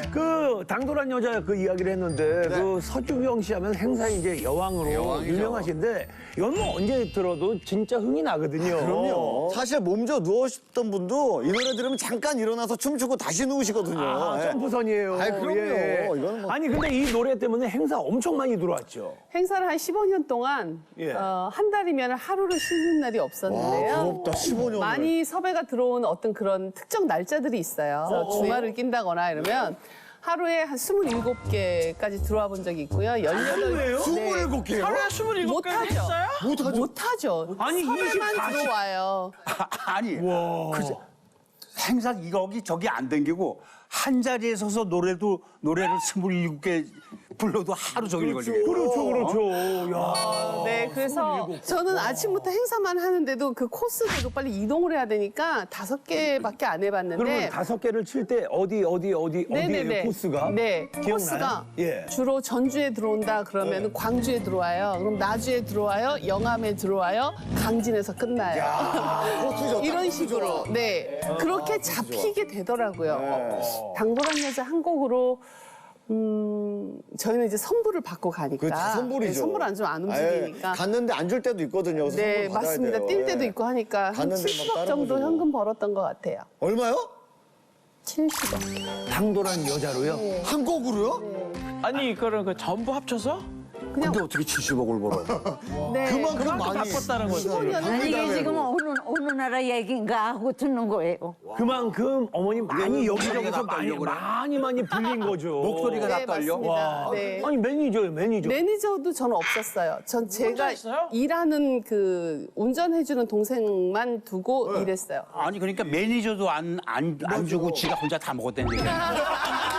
그 당돌한 여자 그 이야기를 했는데 네. 그 서주경 씨 하면 행사에 이제 여왕으로 여왕이죠. 유명하신데 이건 뭐 언제 들어도 진짜 흥이 나거든요. 그럼요. 사실 몸져 누우셨던 분도 이 노래 들으면 잠깐 일어나서 춤추고 다시 누우시거든요. 아, 예. 점프선이에요. 아이, 그럼요. 이거는 뭐- 아니 근데 이 노래 때문에 행사 엄청 많이 들어왔죠. 행사를 한 15년 동안 예. 한 달이면 하루를 쉬는 날이 없었는데요. 와, 부럽다. 15년. 많이 섭외가 들어온 어떤 그런 특정 날짜들이 있어요. 그래서 주말을 낀다거나 이러면 하루에 한 27개까지 들어와 본 적이 있고요. 18. 27개요? 하루에 27개 못하죠. 했어요? 못하죠. 아니, 섭외만 24 시- 들어와요. 아니, 그 행사 이거기 저기 안 댕기고 한 자리에 서서 노래를 27개 불러도 하루 종일 걸리겠네. 그렇죠. 야. 네, 그래서 저는 아침부터 행사만 하는데도 그 코스대로 빨리 이동을 해야 되니까 5개밖에 안 해봤는데. 그러면 5개를 칠 때 어디에요 코스가? 네, 기억나요? 코스가 예. 주로 전주에 들어온다 그러면 광주에 들어와요. 그럼 나주에 들어와요. 영암에 들어와요. 강진에서 끝나요. 코트죠. 이런 식으로. 네, 그렇게 잡히게 되더라고요. 당돌한 여자 한 곡으로 저희는 이제 선불을 받고 가니까. 그렇죠. 선불이죠. 네, 선불 안 주면 안 아예 움직이니까. 갔는데 안 줄 때도 있거든요. 그래서 네, 선물 받아야 맞습니다. 돼요. 뛸 때도 예. 있고 하니까 한 갔는데 막 70억 다른 정도 거 주고. 현금 벌었던 것 같아요. 얼마요? 70억. 당돌한 여자로요? 한 곡으로요? 아니 이거는 그 전부 합쳐서 그냥 근데 어떻게 70억을 벌어? 네. 그만큼 많이 바꿨다는 거죠. 15년을 아니 이게 지금 어느 나라 얘기인가 하고 듣는 거예요. 그만큼 어머니 많이 여기저기서 목소리가 많이 불린 거죠. 목소리가 네, 다 떨려? 맞습니다. 네. 아니 매니저예요, 매니저. 매니저도 저는 없었어요. 전 제가 했어요? 일하는 그 운전해주는 동생만 두고 일했어요. 아니 그러니까 매니저도 안 주고 지가 혼자 다 먹었다는 얘기야.